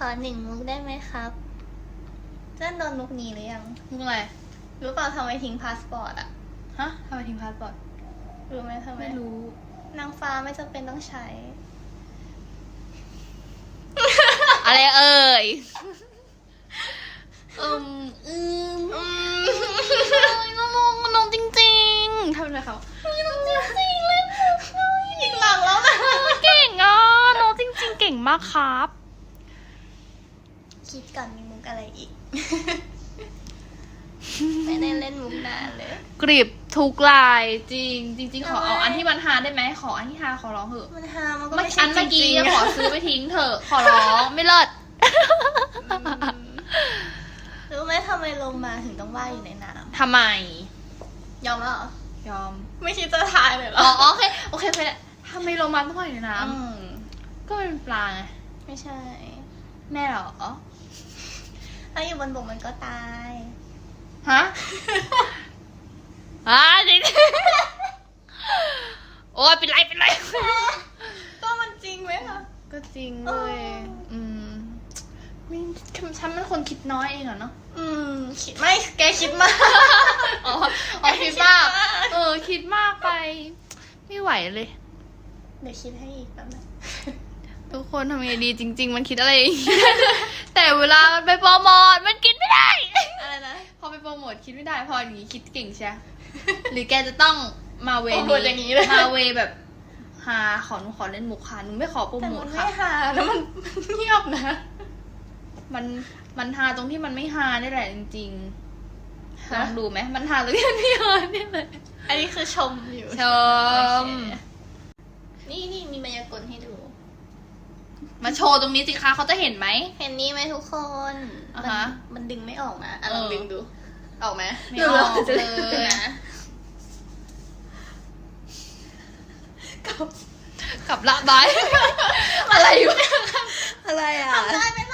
อ1 มุกได้ไหมครับเจ้าโดนมุกนี้หรือยังมุกอะไรรู้เปล่าทำไมทิ้งพาสปอร์ตอะฮะทำไมทิ้งพาสปอร์ตรู้ไหมทำไมไม่รู้นางฟ้าไม่จำเป็นต้องใช้อะไรเอ่ยน้องจริงๆทำอะไรเขาน้องจริงๆเลยอีกหลังแล้วนะเก่งอ่ะน้องจริงๆเก่งมากครับคิดก่อนมีมุกอะไรอีก ไม่ได้เล่นมุกนานเลยกริบทุกลายจริงจริงขอเอาอันที่มันฮาได้ไหมขออันที่ฮาขอร้องเถอะมันฮามันก็เมื่อไม่ใช่อันเมื่อจริกี้งๆขอซื้อไปทิ้งเถอะขอร้องไม่เลิศรู้ไหมทำไมโลมาถึงต้องว่ายอยู่ในน้ทำไมำยอมแล้วเหรอยอมไม่คิดจะทายเลยเหรอ๋ออโอเคโอเคทำไมโรมันต้องว่ายในน้อืมำก็เป็นปลาไงไม่ใช่แม่เหรอถ้าอยู่บนบกมันก็ตายฮะ จริงโอ้ยเป็นไรก็มันจริงไหมคะก็จริงเลยฉันเป็นคนคิดน้อยเองเหรอเนาะคิดไม่แกคิดมากอ๋อคิดมาก คิดมากไป ไม่ไหวเลยเดี๋ยวคิดให้อีกแป๊บนึงทุกคนทำไงดีจริง ๆ มันคิดอะไรอย่างงี้ แต่เวลามันไปโปรโมทมันคิดไม่ได้อะไรนะพอไปโปรโมทคิดไม่ได้ พออย่างงี้คิดเก่งใช่ หรือแกจะต้องมาเวโปรโมทอย่างนี้เลยมาเวแบบหาหนูขอเล่นมุกค่ะหนูไม่ขอโปรแต่โมมัทนค่ะไม่หาแล้วมันเงียบนะมันฮาตรงที่มันไม่ฮาได้แหละจริงๆลฮะองดูไหมมันฮาตรงที่มันไม่ฮานี่เลยอันนี้คือชมอยู่ชมโอเคนี่มีมายากลให้ดูมาโชว์ตรงนี้สิคะเขาจะเห็นไหมเห็นนี้ไหมทุกคนอ่าฮะมันดึงไม่ออกนะลองดึงดู ออกไหมไม่ออกเลยนะกับละบาย อะไรอยู่อะไรอ่ะทำได้ไหม